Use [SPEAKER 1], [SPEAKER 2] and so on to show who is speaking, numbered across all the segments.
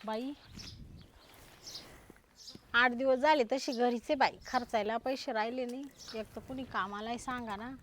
[SPEAKER 1] बाई 8 दिवस झाले तशी घरीच आहे बाई, खर्चायला पैसे राहिले नाही. एक तर कुणी कामालाही सांगा ना.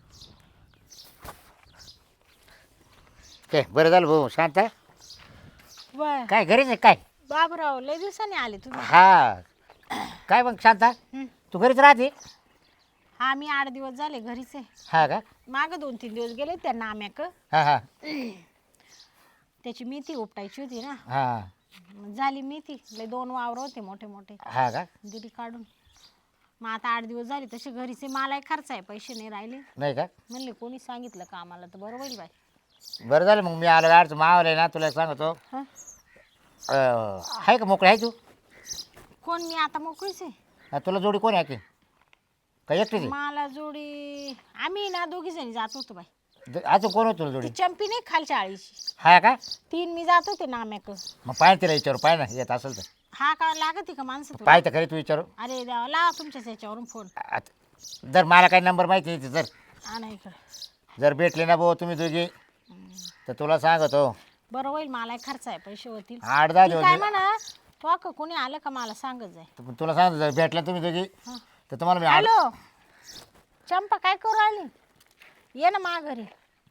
[SPEAKER 2] काय बरं झालं भाऊ शांत आहे?
[SPEAKER 1] बाय
[SPEAKER 2] काय घरीच आहे काय?
[SPEAKER 1] बाबराव लय दिवसांनी आले तुम्ही.
[SPEAKER 2] हा काय मग शांत
[SPEAKER 1] हं.
[SPEAKER 2] तू घरीच राहते?
[SPEAKER 1] हा मी 8 दिवस झाले घरीच आहे.
[SPEAKER 2] हा का?
[SPEAKER 1] माग 2-3 दिवस गेले त्या नाम्याक.
[SPEAKER 2] हा हा
[SPEAKER 1] त्याची मेथी उपटायची होती ना.
[SPEAKER 2] हा
[SPEAKER 1] मग झाली मेथी. लय 2 वावर होते मोठे मोठे,
[SPEAKER 2] हा का?
[SPEAKER 1] दिली काढून. मग आता 8 दिवस झाले तसे घरीच आहे. मलाही खर्च आहे, पैसे नाही राहिले.
[SPEAKER 2] नाही का?
[SPEAKER 1] म्हणले कोणी सांगितलं का आम्हाला तर बरं होईल बाई.
[SPEAKER 2] बरं झालं मग मी आलो गाडचं मावलं ना तुला सांगतो.
[SPEAKER 1] हं?
[SPEAKER 2] आहे का मोकळी आहे तू?
[SPEAKER 1] कोण मी आता मोकळीच आहे.
[SPEAKER 2] तुला जोडी कोण आहे की काय एकटीच आहे?
[SPEAKER 1] मला जोडी आम्ही ना 2घी जणी जात होतो बाई.
[SPEAKER 2] अजून कोण होतं तुला जोडी?
[SPEAKER 1] ती चंपी नाही खालच्या आळीची.
[SPEAKER 2] हा का?
[SPEAKER 1] 3 मी जात होते नाम्याक.
[SPEAKER 2] मग पाय तिला विचारू पाय ना येत असेल तर.
[SPEAKER 1] हा का लागत का माणसं तुला?
[SPEAKER 2] पाय तर खरी तू विचारू.
[SPEAKER 1] अरे देवा लावा तुमच्याच याच्यावरून फोन.
[SPEAKER 2] जर मला काही नंबर माहिती नाही जर
[SPEAKER 1] हा नाही इकडं.
[SPEAKER 2] जर भेटले ना भाऊ तुम्ही दोघी तर तुला सांगतो
[SPEAKER 1] बरं होईल, मला खर्च आहे, पैसे होतील.
[SPEAKER 2] 8-10
[SPEAKER 1] ती
[SPEAKER 2] दिवस
[SPEAKER 1] काय म्हणा तो का कोणी आलं का मला सांगत जाय.
[SPEAKER 2] तुला सांगतो जर भेटला तुम्ही दोघी
[SPEAKER 1] हं.
[SPEAKER 2] तर तुम्हाला मी
[SPEAKER 1] हॅलो चंपा काय करू आली? ये ना मा घरी.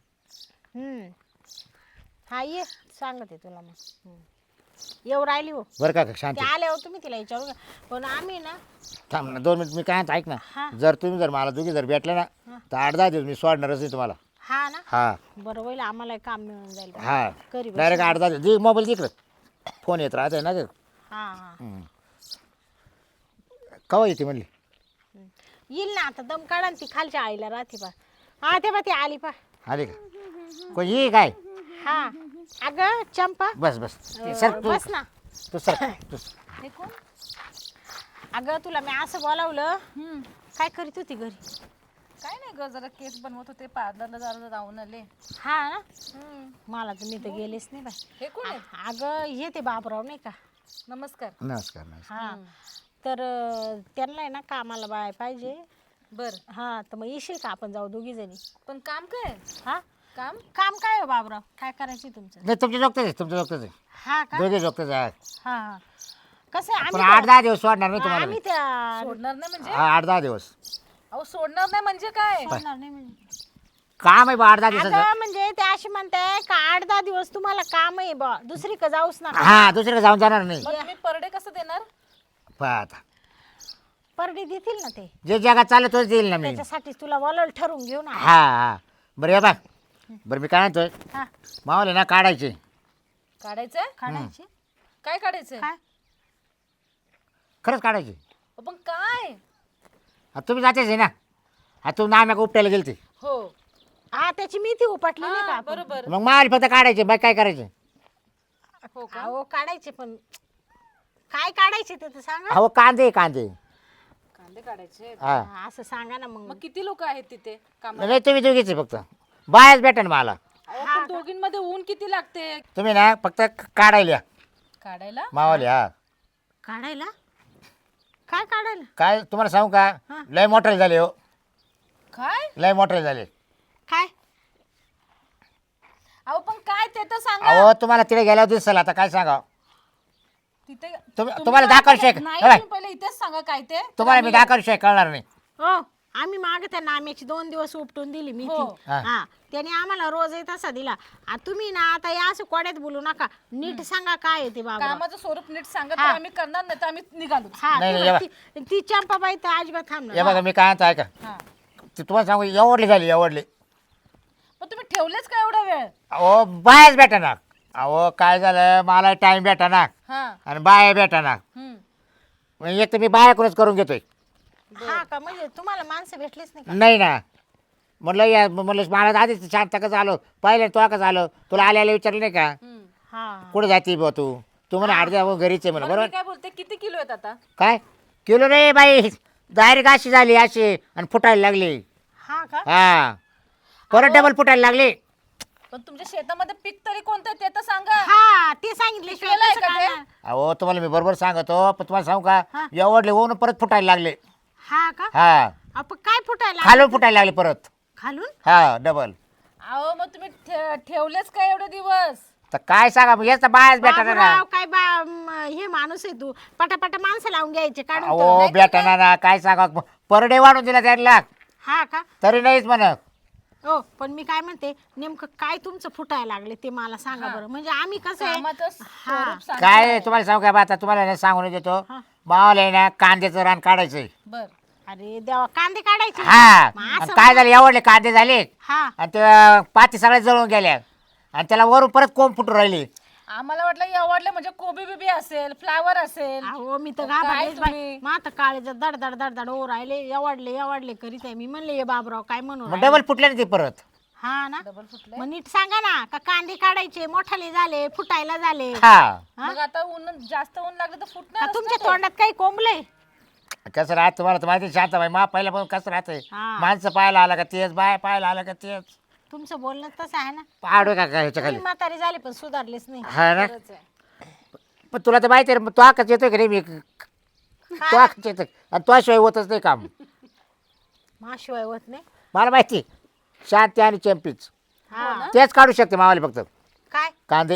[SPEAKER 1] हा ये सांगते तुला मग. येऊ राहिली हो.
[SPEAKER 2] बरं का शांत
[SPEAKER 1] ते आले हो तुम्ही तिला विचारू का? पण आम्ही ना
[SPEAKER 2] थांब ना 2 मिनिट मी काय म्हणतो ऐक
[SPEAKER 1] हा.
[SPEAKER 2] ना. जर तुम्ही जर मला दोघी जर भेटले ना तर 8-10 दिवस मी सोडणारच नाही तुम्हाला.
[SPEAKER 1] हा ना
[SPEAKER 2] हा
[SPEAKER 1] बरं होईल, आम्हाला काम मिळून जाईल.
[SPEAKER 2] हा
[SPEAKER 1] करी बस.
[SPEAKER 2] डायरेक्ट 8-10 दिवस दे मोबाईल तिकडं फोन येत राहते ना ग.
[SPEAKER 1] हा हा
[SPEAKER 2] कवा येते म्हणली?
[SPEAKER 1] येईल ना आता. दम काढा ना, ती खालच्या आईला राहते पा. हा ते बा ती आली पा.
[SPEAKER 2] आले का कोण ये काय?
[SPEAKER 1] हा अगं चंपा
[SPEAKER 2] बस बस सर तू
[SPEAKER 1] बस ना.
[SPEAKER 2] तू सर तू
[SPEAKER 1] हे कोण? अगं तुला मी असं बोलावलं. काय करीत होती घरी?
[SPEAKER 3] काय नाही ग, जरा केस बनवत होते, पार्लरला जरा जाऊन आले.
[SPEAKER 1] हा ना. मला तर मी तर गेलेच नाही बाई.
[SPEAKER 3] हे कोण आहेत?
[SPEAKER 1] अगं हे ते बाबराव नाही का.
[SPEAKER 3] नमस्कार.
[SPEAKER 2] नमस्कार नमस्कार.
[SPEAKER 1] हा तर त्यांना आहे ना कामाला बाय पाहिजे.
[SPEAKER 3] बर,
[SPEAKER 1] हा तर मग येशील का? आपण जाऊ 2घी जणी.
[SPEAKER 3] पण काम काय?
[SPEAKER 1] हा
[SPEAKER 3] काम
[SPEAKER 1] काम काय हो बाबराव? काय करायचं तुमचं?
[SPEAKER 2] नाही तुमच्या जोगतच आहे तुमच्या जोगतच आहे
[SPEAKER 1] हा का?
[SPEAKER 2] दोघे जोगतच आहे.
[SPEAKER 1] हा हा कसं आहे
[SPEAKER 2] पण
[SPEAKER 1] आम्ही
[SPEAKER 2] 8-10 दिवस सोडणार नाही तुम्हाला
[SPEAKER 1] आम्ही
[SPEAKER 2] मी.
[SPEAKER 1] त्या
[SPEAKER 3] सोडणार नाही म्हणजे?
[SPEAKER 2] 8-10 दिवस
[SPEAKER 3] अहो सोडणार नाही म्हणजे काय?
[SPEAKER 1] सोडणार नाही म्हणजे.
[SPEAKER 2] काम आहे बा 8-10 दिवसाचं.
[SPEAKER 1] अगं म्हणजे ते अशी म्हणते का 8-10 दिवस तुम्हाला काम आहे बा, दुसरी का जाऊच नका.
[SPEAKER 2] हा दुसरीकडे जाऊन जाणार नाही.
[SPEAKER 3] मग तुम्ही पर डे कसं देणार?
[SPEAKER 2] पहा आता
[SPEAKER 1] परडी देतील ना ते.
[SPEAKER 2] जे जगात चाललं तोच देईल ना मी.
[SPEAKER 1] त्याच्यासाठी तुला बोलवलं, ठरवून घेऊ ना.
[SPEAKER 2] हा हा बरं या बा बरं मी काय म्हणतोय
[SPEAKER 1] हा
[SPEAKER 2] मावाले ना काढायचे.
[SPEAKER 3] काढायचंय?
[SPEAKER 1] काढायची.
[SPEAKER 3] काय काढायचंय?
[SPEAKER 1] काय
[SPEAKER 2] खरंच काढायचे.
[SPEAKER 3] पण काय?
[SPEAKER 2] आता तुम्ही जातेच आहे ना. आता तू नाम्या उपटायला गेलते
[SPEAKER 3] हो
[SPEAKER 1] हा त्याची मेथी उपटली नाही का
[SPEAKER 3] हा,
[SPEAKER 1] आपण?
[SPEAKER 3] बरोबर.
[SPEAKER 2] मग मावाले फक्त काढायचे बाई काय करायचे?
[SPEAKER 3] हो का?
[SPEAKER 1] अहो काढायचे पण काय काढायचे ते तर सांगा.
[SPEAKER 2] अहो कांदे कांदे
[SPEAKER 3] कांदे काढायचे.
[SPEAKER 2] हा
[SPEAKER 1] हा, असं सांगा ना मग.
[SPEAKER 3] मग किती लोक आहेत तिथे कामाला?
[SPEAKER 2] नाही तुम्ही दोघीच आहे फक्त बायाच भेटा ना मला.
[SPEAKER 3] अहो, पण दोघींमध्ये ऊन किती लागते
[SPEAKER 2] तुम्ही ना फक्त काढायला या.
[SPEAKER 3] काढायला?
[SPEAKER 2] मावाले हा
[SPEAKER 1] काढायला? काय काढायला?
[SPEAKER 2] काय तुम्हाला सांगू का
[SPEAKER 1] हा.
[SPEAKER 2] लय मोठे झाले हो.
[SPEAKER 3] काय?
[SPEAKER 2] लय मोठे झाले.
[SPEAKER 1] काय
[SPEAKER 3] अहो पण काय ते तर सांगा.
[SPEAKER 2] अहो तुम्हाला तिथे गेल्यावर दिसल आता काय सांगा.
[SPEAKER 3] तिथे
[SPEAKER 2] तुम्हाला दाखल शेक
[SPEAKER 3] नाही,
[SPEAKER 2] हे बाय,
[SPEAKER 3] तुम्ही पहिले इथेच सांगा काय ते.
[SPEAKER 2] तुम्हाला मी दाखल शेक कळणार नाही.
[SPEAKER 1] हो आम्ही माग त्या नाम्याची 2 दिवस उपटून दिली मी.
[SPEAKER 3] हो.
[SPEAKER 2] हा.
[SPEAKER 1] हा त्याने आम्हाला रोज तसा दिला. तुम्ही ना आता या असं कोड्यात बोलू नका, नीट सांगा काय आहे ते बाबा.
[SPEAKER 3] कामाचं स्वरूप नीट सांगा तर
[SPEAKER 1] हा.
[SPEAKER 3] आम्ही करणार नाही तर आम्ही निघालो.
[SPEAKER 1] हा
[SPEAKER 2] नाही,
[SPEAKER 1] ती
[SPEAKER 2] नाही,
[SPEAKER 1] बघ, ती चंपाबाई तर अजिबात
[SPEAKER 2] हे
[SPEAKER 1] थांबणार.
[SPEAKER 2] बघा मी काय म्हणतो ऐका
[SPEAKER 3] हा.
[SPEAKER 2] ते तुम्हाला सांगू एवढली झाली एवढली.
[SPEAKER 3] पण तुम्ही ठेवलेच का एवढा वेळ?
[SPEAKER 2] अहो बायाच भेटा ना. अहो काय झालं मला टाइम भेटा ना
[SPEAKER 3] हा.
[SPEAKER 2] आणि बाया भेटा ना. म्हणजे एक तर मी बायाकडूनच करून घेतोय.
[SPEAKER 1] हा का? म्हणजे तुम्हाला माणसं भेटलीच नाही का?
[SPEAKER 2] नाही ना म्हटलं या म्हटलं मला आधीच शांत कसं आलो पाहिलं तो कसं आलो तुला आल्याला विचारलं नाही का
[SPEAKER 1] हा
[SPEAKER 2] कुठं जाते बा तू म्हणे 8 घरीच आहे म्हणे
[SPEAKER 3] बरं, मी
[SPEAKER 2] बरोबर.
[SPEAKER 3] काय बोलते, किती किलो आहेत आता?
[SPEAKER 2] काय किलो रे बाई डायरेक्ट अशी झाली अशी आणि फुटायला लागली.
[SPEAKER 1] हा का?
[SPEAKER 2] हा परत डबल फुटायला लागली.
[SPEAKER 3] पण तुमच्या शेतामध्ये पीक तरी कोणतं आहे ते तर सांगा.
[SPEAKER 1] हा ते सांगितले
[SPEAKER 3] केलंय का ते?
[SPEAKER 2] अहो तुम्हाला मी बरोबर सांगतो पण तुम्हाला सांगू का
[SPEAKER 1] हा.
[SPEAKER 2] एवढले होऊन परत फुटायला लागले.
[SPEAKER 1] हा का?
[SPEAKER 2] हा
[SPEAKER 1] आपण काय फुटायला?
[SPEAKER 2] खालून फुटायला लागले परत.
[SPEAKER 1] खालून?
[SPEAKER 2] हा डबल.
[SPEAKER 3] अहो मग तुम्ही ठेवलेच का एवढे दिवस?
[SPEAKER 2] तर काय सांगा मग याचा बायाच भेटा ना.
[SPEAKER 1] बाबराव, काय हे माणूस आहे तू पटापटा माणसं लावून घ्यायचे काढून
[SPEAKER 2] अहो
[SPEAKER 1] तर.
[SPEAKER 2] बेटा ना काय सांगा पर डे वाढून दिला 4 लाख
[SPEAKER 1] हा का
[SPEAKER 2] तरी नाहीच म्हणत.
[SPEAKER 1] हो पण मी काय म्हणते नेमकं काय तुमचं फुटायला लागले ते मला सांगा बरं म्हणजे आम्ही कसं आहे
[SPEAKER 3] कामाचं स्वरूप सांग.
[SPEAKER 2] काय आहे, तुम्हाला सांगू का आता तुम्हाला ना सांगून देतो
[SPEAKER 1] हा.
[SPEAKER 2] मावाला आहे ना कांद्याचं रान काढायचंय.
[SPEAKER 3] बर
[SPEAKER 1] अरे देवा कांदे काढायचे
[SPEAKER 2] हा
[SPEAKER 1] मग
[SPEAKER 2] आणि
[SPEAKER 1] असं
[SPEAKER 2] काय झालं एवढले कांदे झाले
[SPEAKER 1] हा
[SPEAKER 2] आणि ते पाती सगळ्या जळून गेल्या आणि त्याला वरून परत कोंब फुटून राहिली.
[SPEAKER 3] आम्हाला वाटलं एवढलं म्हणजे कोबी बिबी असेल फ्लावर असेल.
[SPEAKER 1] अहो मी तर
[SPEAKER 3] काय
[SPEAKER 1] घाबरलेच बाई
[SPEAKER 3] तुम्ही?
[SPEAKER 1] मग आता काळे दड दड दड दड ओ राहिले एवढले करीत आहे मी म्हणले ये बाबराव काय म्हणू
[SPEAKER 2] मग
[SPEAKER 1] राहिले?
[SPEAKER 2] डबल फुटले ना ते परत.
[SPEAKER 1] हा ना
[SPEAKER 3] डबल फुटले.
[SPEAKER 1] मग नीट सांगा ना का कांदे काढायचे मोठाले झाले फुटायला झाले
[SPEAKER 2] हा
[SPEAKER 3] मग आता ऊन जास्त ऊन लागलं तर
[SPEAKER 1] का
[SPEAKER 3] फुटणार
[SPEAKER 1] तुमच्या तोंडात काही कोंबले
[SPEAKER 2] कसं राहत तुम्हाला तर माहिती शांताबाई मा पहिला पण कसं राहतंय
[SPEAKER 1] हा.
[SPEAKER 2] माणसं पाहायला आला का तेच बाय पाहायला आला का तेच
[SPEAKER 1] तुमचं बोलणं तसं आहे ना
[SPEAKER 2] पाडू का ह्याच्या
[SPEAKER 1] तुम्ही
[SPEAKER 2] खाली
[SPEAKER 1] म्हातारे झाले पण सुधारलेच नाही
[SPEAKER 2] हा ना. पण तुला तर माहिती आहे तो आकाच येतोय का नाही मी तो आकाच येतोय आणि तो शिवाय होतच नाही काम.
[SPEAKER 1] माशिवाय होत नाही
[SPEAKER 2] मला माहिती शांती आणि चॅम्पियन्स
[SPEAKER 1] हा
[SPEAKER 2] तेच काढू शकते मावाले फक्त
[SPEAKER 1] काय
[SPEAKER 2] कांदे.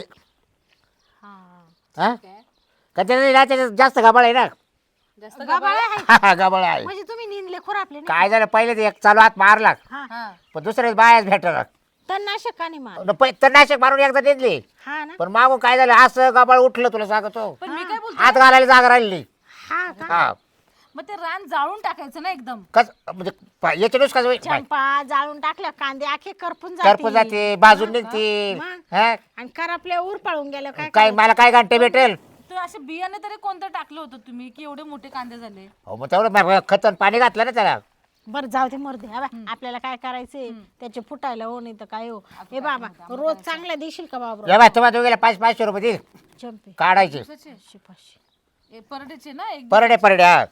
[SPEAKER 1] हा
[SPEAKER 2] हा का त्याच्यात जास्त गबाळ आहे ना.
[SPEAKER 3] जास्त
[SPEAKER 1] गबाळ आहे
[SPEAKER 2] गबाळ आहे.
[SPEAKER 1] म्हणजे तुम्ही निंदले खुरापले नाही
[SPEAKER 2] काय झालं पहिले ते एक चालू हात मारला
[SPEAKER 1] हा
[SPEAKER 3] हा
[SPEAKER 2] पण दुसऱ्या बायाच भेटला
[SPEAKER 1] तणनाशक का नाही मार
[SPEAKER 2] तर नाशिक मारून एकदा देतली
[SPEAKER 1] हा ना
[SPEAKER 2] पण मागून काय झालं असं गबाळ उठलं तुला सांगतो
[SPEAKER 3] पण मी काय बोलतो
[SPEAKER 2] हात घालायला जागा राहिली.
[SPEAKER 1] हा का
[SPEAKER 2] हा
[SPEAKER 3] मग ते रान जाळून टाकायचं ना एकदम.
[SPEAKER 2] कस म्हणजे याच्या नुस कसं
[SPEAKER 1] चंपा जाळून टाकल्या कांदे आखे करपून
[SPEAKER 2] करपून जाते बाजून निघते.
[SPEAKER 1] मग?
[SPEAKER 2] हा?
[SPEAKER 1] आणि करपल्या उर पळून गेलं काय
[SPEAKER 2] काय मला काय घंटे भेटेल.
[SPEAKER 3] ते असे बियाणे तरी कोणतं टाकलं होतं तुम्ही की एवढे मोठे कांदे झाले.
[SPEAKER 2] हो मग तेवढं खतन पाणी घातलं ना त्याला.
[SPEAKER 1] बरं जाऊ दे मरदे आपल्याला काय करायचंय त्याचे फुटायला हो नाही तर काय हो हे बाबा रोज चांगला देशील का बाबा
[SPEAKER 2] या बाय तुम्हाला दोघीला 500 रुपये दे
[SPEAKER 1] चंपे
[SPEAKER 2] काढायचे
[SPEAKER 1] पाचशे
[SPEAKER 3] परडेचे ना एक
[SPEAKER 2] परडे हा.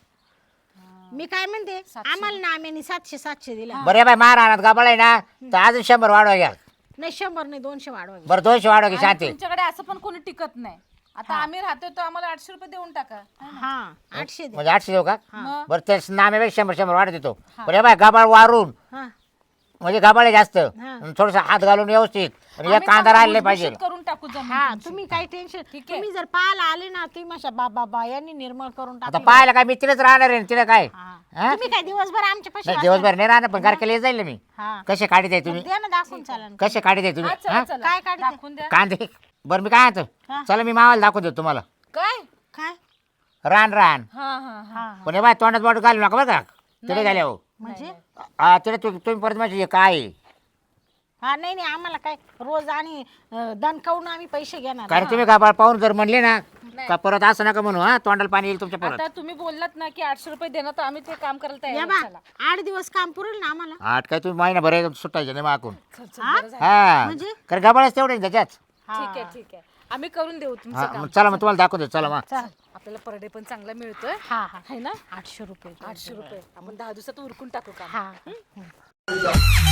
[SPEAKER 1] मी काय म्हणते आम्हाला ना आम्ही 700 दिला
[SPEAKER 2] बरं या बाय महाराणात गबाळ आहे ना तर अजून 100 वाढवा घ्या.
[SPEAKER 1] नाही 100 नाही 200 वाढवा
[SPEAKER 2] बरं 200 वाढवा घ्या
[SPEAKER 3] आणि
[SPEAKER 2] शांती.
[SPEAKER 3] तुमच्याकडे असं पण कोणी टिकत नाही. आता आम्ही राहतोय तर आम्हाला 800 रुपये देऊन टाका.
[SPEAKER 1] हा 800 दे
[SPEAKER 2] म्हणजे 800 देऊ का
[SPEAKER 3] मग
[SPEAKER 2] बरं ते नाम्यापेक्षा 100 वाढ देतो. बरं या बाय गबाळ वारून
[SPEAKER 1] हा
[SPEAKER 2] म्हणजे गबाळ आहे जास्त
[SPEAKER 1] हा.
[SPEAKER 2] थोडस हात घालून व्यवस्थित आणि एक
[SPEAKER 3] आम्ही
[SPEAKER 2] कांदा
[SPEAKER 3] चांगलं
[SPEAKER 2] राहिले पाहिजे.
[SPEAKER 3] भुसभुशीत करून टाकू जमीन
[SPEAKER 1] हा
[SPEAKER 3] तुमची.
[SPEAKER 1] तुम्ही काही टेन्शन
[SPEAKER 3] ठीक आहे.
[SPEAKER 1] तुम्ही जर पाहायला आले ना तुम्ही माझ्या बाबा यांनी निर्मळ करून
[SPEAKER 2] आता
[SPEAKER 1] टाकलं
[SPEAKER 2] पाहायला काय मी तिथेच राहणार आहे तिला काय हा?
[SPEAKER 1] तुम्ही काय दिवसभर आमच्या पाशी
[SPEAKER 2] नाही दिवसभर नाही राहणार पण घरकेला जाईल ना मी.
[SPEAKER 1] हा
[SPEAKER 2] कसे काढीत आहे तुम्ही
[SPEAKER 1] द्या ना दाखवून चालन
[SPEAKER 2] कसे काढीत आहे तुम्ही
[SPEAKER 3] हा, चला,
[SPEAKER 2] हा?
[SPEAKER 3] चला.
[SPEAKER 1] काय काढते?
[SPEAKER 3] दाखवून द्या.
[SPEAKER 2] कांदे बरं मी काय म्हणतो
[SPEAKER 1] हा.
[SPEAKER 2] चला मी मावाला दाखवून देतो तुम्हाला
[SPEAKER 3] काय
[SPEAKER 1] काय
[SPEAKER 2] रान रान
[SPEAKER 3] हा हा हा
[SPEAKER 1] हा
[SPEAKER 2] पण हे बाय तोंडात बोट घालू नका बरं का तिथे झाले हो
[SPEAKER 1] म्हणजे
[SPEAKER 2] हा तिथे तुम्ही परत म्हणजे काय आहे?
[SPEAKER 1] हा नाही आम्हाला काय रोज आणि दणकावून आम्ही पैसे घेणार
[SPEAKER 2] कारण तुम्ही गाबाळ पाहून जर म्हणले ना का परत असं नका म्हणू हा तोंडाला पाणी येईल तुमच्या परत.
[SPEAKER 3] आता तुम्ही बोललात ना की 800 रुपये देणार तर आम्ही ते काम करायला
[SPEAKER 1] या
[SPEAKER 3] तयार
[SPEAKER 1] बा
[SPEAKER 3] आहोत. चला.
[SPEAKER 1] 8 दिवस काम पुरेल ना आम्हाला
[SPEAKER 2] आठ काय तुम्ही महिनाभर एकदम सुटायचे नाही मागून
[SPEAKER 3] खर्च
[SPEAKER 1] हा?
[SPEAKER 3] बरं झालं.
[SPEAKER 2] हा
[SPEAKER 1] म्हणजे?
[SPEAKER 2] कारण गाबाळच तेवढे ना त्याच्यात.
[SPEAKER 3] ठीक आहे ठीक आहे आम्ही करून देऊ तुमचं
[SPEAKER 2] हा
[SPEAKER 3] काम.
[SPEAKER 2] मग चला मग तुम्हाला दाखवून देतो चला मग.
[SPEAKER 1] चल
[SPEAKER 3] आपल्याला पर डे पण चांगला मिळतोय
[SPEAKER 1] हा हा
[SPEAKER 3] है ना.
[SPEAKER 1] 800 रुपये
[SPEAKER 3] 800 रुपये आपण 10 दिवसात उरकून टाकू काम.
[SPEAKER 1] हा